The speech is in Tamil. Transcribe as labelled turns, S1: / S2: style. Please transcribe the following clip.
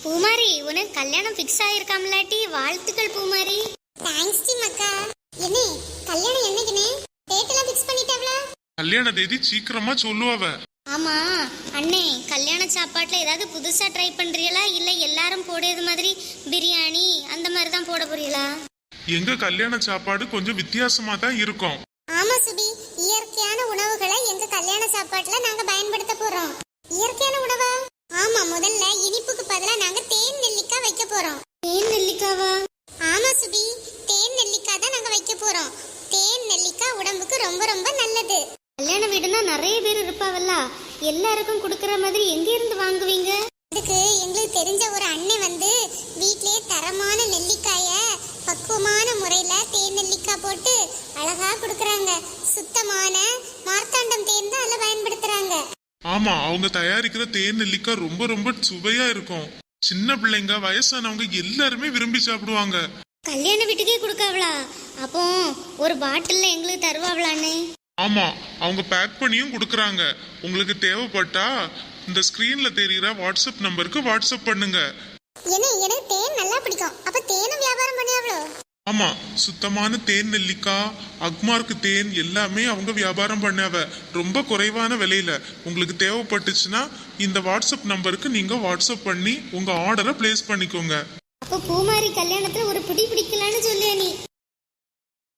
S1: பூமாரி, உனக்கு கல்யாணம் ஃபிக்ஸ் ஆயிருக்காமலாட்டி வாழ்த்துக்கள் பூமாரி.
S2: தேங்க்ஸ் டி மக்கா. என்ன கல்யாணம் என்னைக்குனே டேட் எல்லாம் ஃபிக்ஸ் பண்ணிட்டாவளா?
S3: கல்யாண தேதி சீக்கிரமா சொல்லுவாவ.
S1: ஆமா அண்ணே, கல்யாண சாப்பாட்டுல ஏதாவது புதுசா ட்ரை பண்றீங்களா இல்ல எல்லாரும் போடுறது மாதிரி பிரியாணி அந்த மாதிரி தான் போட போறீங்களா?
S3: எங்க கல்யாண சாப்பாடு கொஞ்சம் வித்தியாசமா தான் இருக்கும்.
S2: ஆமா சுபி, இயற்கையான உணவுகளை எங்க கல்யாண சாப்பாட்டுல நாங்க பயன்படுத்த போறோம். இயற்கையான உணவா? ஆமா, முதல்ல இனிப்புக்கு பதிலா நாங்க தேன் நெல்லிக்காய் வைக்க போறோம்.
S1: தேன் நெல்லிக்காவா?
S2: ஆமா சுபி, தேன் நெல்லிக்காய் தான் நாங்க வைக்க போறோம். தேன் நெல்லிக்காய் உடம்புக்கு ரொம்ப ரொம்ப நல்லது.
S1: கல்யாண வீடுனா நிறைய பேர் இருப்பாவல்ல, எல்லாருக்கும் கொடுக்கற மாதிரி எங்க இருந்து வாங்குவீங்க?
S2: அதுக்கு எங்களுக்கு தெரிஞ்ச ஒரு அண்ணன் வந்து வீட்லயே தரமான நெல்லிக்காய பக்குவமான முறையில தேன் நெல்லிக்காய் போட்டு அழகா கொடுக்கறாங்க. சுத்தமான மார்த்தாண்டம் தேன் தான் அதுல பயன்படுத்துறாங்க.
S3: ஆமா, அவங்க தயாரிக்கிற தேன் நெல்லிக்காய் ரொம்ப ரொம்ப சுவையா இருக்கும். சின்ன பிள்ளைங்க, வயசானவங்க எல்லாருமே விரும்பி சாப்பிடுவாங்க.
S1: கல்யாண வீட்டுக்கே கொடுக்காவளா? அப்போ ஒரு பாட்டில்ல எங்களுக்கு தருவாவளானே?
S3: ஆமா, அவங்க பேக் பண்ணியும் கொடுக்கறாங்க. உங்களுக்கு தேவைப்பட்டா இந்த ஸ்கிரீன்ல தெரியுற வாட்ஸ்அப் நம்பருக்கு வாட்ஸ்அப் பண்ணுங்க.
S2: எனக்கு தேன் நல்லா பிடிக்கும். அப்ப தேனும் வியாபாரம் பண்ணியாவளோ?
S3: ஆமா, சுத்தமான தேன் நெல்லிக்காய், அக்மார்க்கு தேன் எல்லாமே அவங்க வியாபாரம் பண்ணாவ. ரொம்ப குறைவான விலையில. உங்களுக்கு தேவைப்பட்டுச்சுன்னா இந்த வாட்ஸ்அப் நம்பருக்கு நீங்க வாட்ஸ்அப் பண்ணி உங்க ஆர்டரை பிளேஸ் பண்ணிக்கோங்க.
S1: அப்போ பூமாரி கல்யாணத்துல ஒரு பிடி பிடிக்கலான்னு சொல்லியா நீ?